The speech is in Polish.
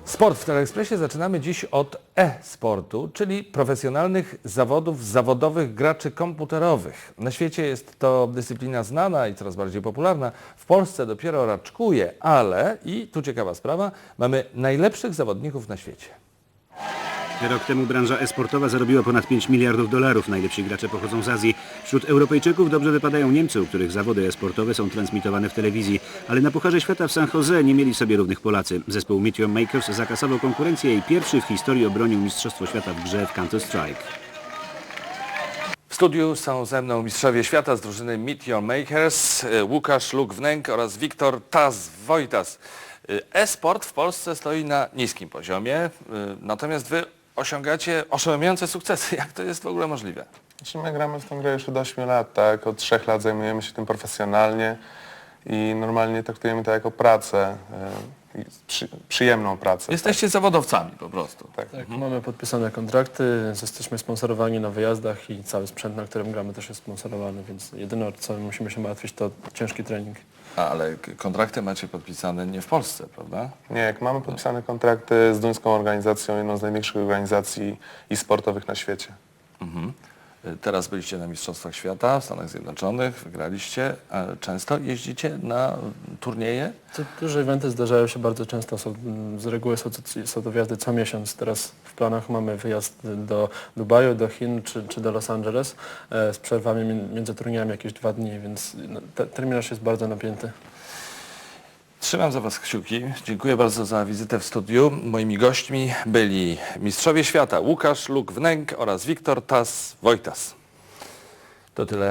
Sport w Teleekspresie zaczynamy dziś od e-sportu, czyli profesjonalnych zawodów zawodowych graczy komputerowych. Na świecie jest to dyscyplina znana i coraz bardziej popularna. W Polsce dopiero raczkuje, ale, i tu ciekawa sprawa, mamy najlepszych zawodników na świecie. Rok temu branża e-sportowa zarobiła ponad 5 miliardów dolarów. Najlepsi gracze pochodzą z Azji. Wśród Europejczyków dobrze wypadają Niemcy, u których zawody e-sportowe są transmitowane w telewizji. Ale na Pucharze Świata w San Jose nie mieli sobie równych Polacy. Zespół Meteor Makers zakasował konkurencję i pierwszy w historii obronił Mistrzostwo Świata w grze w Counter-Strike. W studiu są ze mną mistrzowie świata z drużyny Meteor Makers, Łukasz Luk-Wnęk oraz Wiktor Taz-Wojtas. E-sport w Polsce stoi na niskim poziomie, natomiast wy osiągacie oszałamiające sukcesy. Jak to jest w ogóle możliwe? Znaczy my gramy w tę grę już od 8 lat, tak? Od 3 lat zajmujemy się tym profesjonalnie i normalnie traktujemy to jako pracę, przyjemną pracę. Jesteście zawodowcami po prostu. Tak. Tak, mamy podpisane kontrakty, jesteśmy sponsorowani na wyjazdach i cały sprzęt, na którym gramy, też jest sponsorowany, więc jedyne, o co musimy się martwić, to ciężki trening. Ale kontrakty macie podpisane nie w Polsce, prawda? Nie, jak mamy podpisane kontrakty z duńską organizacją, jedną z największych organizacji sportowych na świecie. Teraz byliście na Mistrzostwach Świata w Stanach Zjednoczonych, wygraliście. Często jeździcie na turnieje? Duże eventy zdarzają się bardzo często, z reguły są to wjazdy co miesiąc. Teraz w planach mamy wyjazd do Dubaju, do Chin czy do Los Angeles z przerwami między turniejami jakieś 2 dni, więc terminarz jest bardzo napięty. Trzymam za was kciuki. Dziękuję bardzo za wizytę w studiu. Moimi gośćmi byli mistrzowie świata Łukasz Luk-Wnęk oraz Wiktor Taz-Wojtas. To tyle.